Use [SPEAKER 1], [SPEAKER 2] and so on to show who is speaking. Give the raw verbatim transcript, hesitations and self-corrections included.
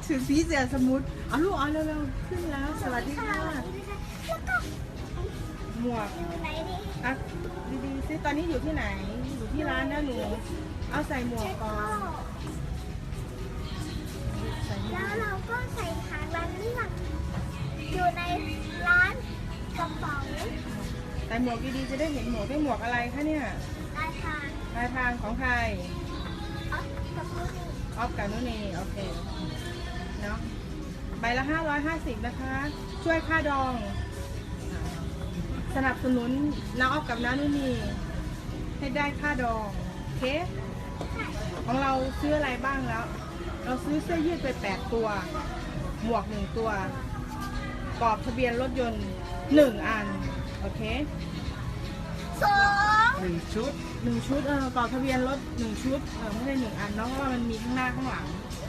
[SPEAKER 1] ถือสีเสือสมุดเอาลูกเอาเร็วๆขึ้นแล้วสวัสดีค่ะ
[SPEAKER 2] แล้วก็
[SPEAKER 1] หมวก
[SPEAKER 2] อยู่ไหนดี
[SPEAKER 1] อ่ะดีๆซิตอนนี้อยู่ที่ไหนอยู่ที่ร้านนะหนูเอาใส่หมวกก่อนใส่หมว
[SPEAKER 2] แล้
[SPEAKER 1] ก
[SPEAKER 2] วเราก็ใส่ทางร้านนี่ค่ะอยู่ในร้านกระเป๋า
[SPEAKER 1] ใส่หมวกดีๆจะได้เห็นหมวกได้หมวกอะไรคะเนี่ย
[SPEAKER 2] ลายทาง
[SPEAKER 1] ลายพรางของใคร
[SPEAKER 2] อ๋อกับลูกนี่
[SPEAKER 1] ออฟกับนุนีโอเคเนาะใบละห้าร้อยห้าสิบนะคะ ช่วยค่าดอง สนับสนุนน้าออฟกับน้านุนีให้ได้ค่าดองโอเค ของเราซื้ออะไรบ้างแล้ว เราซื้อเสื้อยืดไปแปดตัว หมวกหนึ่งตัวกรอบทะเบียนรถยนต์หนึ่งอันโอเค
[SPEAKER 2] สอง
[SPEAKER 3] หนึ่งชุด
[SPEAKER 1] หนึ่งชุดเออกรอบทะเบียนรถหนึ่งชุดเออไม่ใช่หนึ่งอันเนาะเพราะว่ามันมีข้างหน้าข้างหลัง